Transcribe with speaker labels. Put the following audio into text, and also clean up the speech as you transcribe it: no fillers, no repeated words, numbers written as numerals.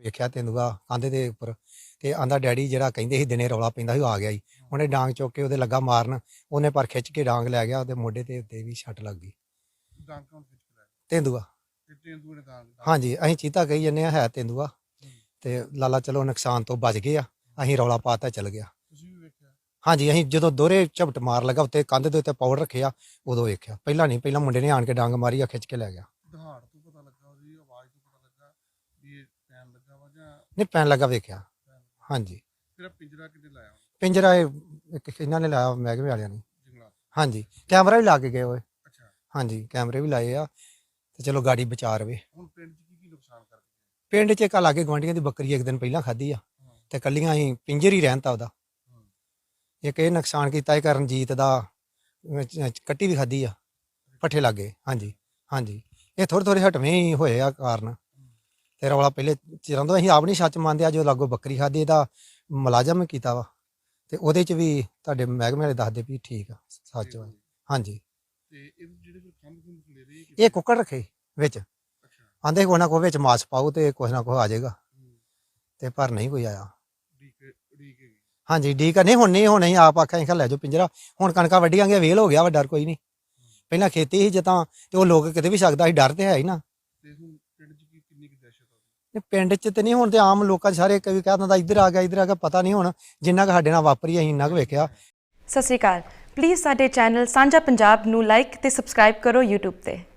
Speaker 1: ਵੇਖਿਆ ਤੇਂਦੂਆ ਕੰਧ ਦੇ ਉੱਪਰ ਤੇ ਆਂਦਾ ਡੈਡੀ ਜਿਹੜਾ ਕਹਿੰਦੇ ਸੀ ਦਿਨੇ ਰੌਲਾ ਪੈਂਦਾ ਸੀ ਉਹ ਆ ਗਿਆ ਜੀ। ਉਹਨੇ ਡਾਂਗ ਚੁੱਕ ਕੇ ਉਹਦੇ ਲੱਗਾ ਮਾਰਨ, ਉਹਨੇ ਪਰ ਖਿੱਚ ਕੇ ਡਾਂਗ ਲੈ ਗਿਆ, ਉਹਦੇ ਮੋਢੇ ਤੇ ਉੱਤੇ ਵੀ ਛੱਟ ਲੱਗ ਗਈ। ਤੇਂਦੂਆ ਹਾਂਜੀ, ਅਸੀਂ ਚੀਤਾ ਕਹੀ ਜੰਨੇ ਆ, ਹੈ ਤੇਂਦੂਆ ਤੇ ਲਾਲਾ ਚਲੋ ਨੁਕਸਾਨ ਤੋਂ ਬਚ ਗਏ ਆ। ਅਸੀਂ ਰੌਲਾ ਪਾਤਾ ਚਲ ਗਿਆ। ਹਾਂਜੀ, ਅਸੀਂ ਜਦੋਂ ਦੋਹਰੇ ਝਪਟ ਮਾਰ ਲੱਗਾ ਉੱਤੇ ਕੰਧ ਦੇ ਉੱਤੇ ਪਾਊਡਰ ਰੱਖਿਆ ਉਦੋਂ ਵੇਖਿਆ। ਪਹਿਲਾਂ ਨਹੀਂ, ਪਹਿਲਾਂ ਮੁੰਡੇ ਨੇ ਆਣ ਕੇ ਡਾਂਗ ਮਾਰੀ ਆ, ਖਿੱਚ ਕੇ ਲੈ ਗਿਆ। ਨਹੀਂ ਪੈਣ ਲੱਗਾ ਵੇਖਿਆ। ਹਾਂਜੀ, ਪਿੰਜਰਾ ਇੱਕ ਇਹਨਾਂ ਨੇ ਲਾਇਆ, ਮਹਿਕਮੇ ਵਾਲਿਆਂ ਨੇ। ਹਾਂਜੀ, ਕੈਮਰਾ ਵੀ ਲਾ ਕੇ ਗਏ ਹੋਏ। ਹਾਂਜੀ, ਕੈਮਰੇ ਵੀ ਲਾਏ ਆ ਤੇ ਚਲੋ ਗਾੜੀ ਬਚਾ ਰਵੇ। ਪਿੰਡ 'ਚ ਇੱਕ ਲਾਗੇ ਗੁਆਂਢੀਆਂ ਦੀ ਬੱਕਰੀ ਇੱਕ ਦਿਨ ਪਹਿਲਾਂ ਖਾਧੀ ਆ ਤੇ ਕੱਲੀਆਂ ਅਸੀਂ ਪਿੰਜਰ ਹੀ ਰਹਿਣ ਤਾ ਉਹਦਾ। ਇੱਕ ਇਹ ਨੁਕਸਾਨ ਕੀਤਾ ਇਹ ਕਰਨਜੀਤ ਦਾ, ਕੱਟੀ ਵੀ ਖਾਧੀ ਆ ਪੱਠੇ ਲਾਗੇ। ਹਾਂਜੀ ਹਾਂਜੀ, ਇਹ ਥੋੜ੍ਹੇ ਹਟਵੇਂ ਹੀ ਹੋਏ ਆ ਕਾਰਨ ਤੇ ਰੌਲਾ ਪਹਿਲੇ ਚਿਰਾਂ ਤੋਂ ਅਸੀਂ ਆਪ ਨਹੀਂ ਸੱਚ ਮੰਨਦੇ ਆ। ਜੋ ਲਾਗੋ ਬੱਕਰੀ ਖਾਧੀ ਇਹਦਾ ਮੁਲਾਜ਼ਮ ਕੀਤਾ ਵਾ ਤੇ ਉਹਦੇ 'ਚ ਵੀ ਤੁਹਾਡੇ ਮਹਿਕਮੇ ਵਾਲੇ ਦੱਸਦੇ ਵੀ ਠੀਕ ਆ, ਸੱਚ ਵਾ। ਹਾਂਜੀ, ਇਹ ਕੁੱਕੜ ਰੱਖੇ ਵਿੱਚ, ਆਂਦੇ ਕੋਈ ਨਾ ਕੋਈ ਵਿੱਚ ਮਾਸ ਪਾਓ ਤੇ ਕੁਛ ਨਾ ਕੁਛ ਆ ਜਾਏਗਾ ਤੇ ਪਰ ਨਹੀਂ ਕੋਈ ਆਇਆ। ਹਾਂਜੀ, ਡੀਕ ਨਹੀਂ ਹੁਣ ਨਹੀਂ, ਹੁਣ ਅਸੀਂ ਆਪ ਆਖਿਆ ਲੈ ਜਾਓ ਪਿੰਜਰਾ। ਹੁਣ ਕਣਕਾਂ ਵੱਢੀਆਂ ਵੇਲ ਹੋ ਗਿਆ ਵਾ, ਡਰ ਕੋਈ ਨਹੀਂ। ਪਹਿਲਾਂ ਖੇਤੀ ਸੀ ਜਿੱਦਾਂ ਤੇ ਉਹ ਲੋਕ ਕਿਤੇ ਵੀ ਸਕਦਾ ਸੀ, ਡਰ ਤੇ ਹੈ ਹੀ ਨਾ। ਪਿੰਡ 'ਚ ਤੇ ਨਹੀਂ, ਹੁਣ ਤੇ ਆਮ ਲੋਕਾਂ ਸਾਰੇ ਕਈ ਕਹਿ ਦਿੰਦਾ ਇੱਧਰ ਆ ਗਿਆ, ਪਤਾ ਨਹੀਂ ਹੁਣ ਜਿੰਨਾ ਕੁ ਸਾਡੇ ਨਾਲ ਵਾਪਰੀ ਅਸੀਂ ਇੰਨਾ ਕੁ ਵੇਖਿਆ।
Speaker 2: ਸਤਿ ਸ਼੍ਰੀ ਅਕਾਲ। ਪਲੀਜ਼ ਸਾਡੇ ਚੈਨਲ ਸਾਂਝਾ ਪੰਜਾਬ ਨੂੰ ਲਾਈਕ ਤੇ ਸਬਸਕ੍ਰਾਈਬ ਕਰੋ YouTube ਤੇ।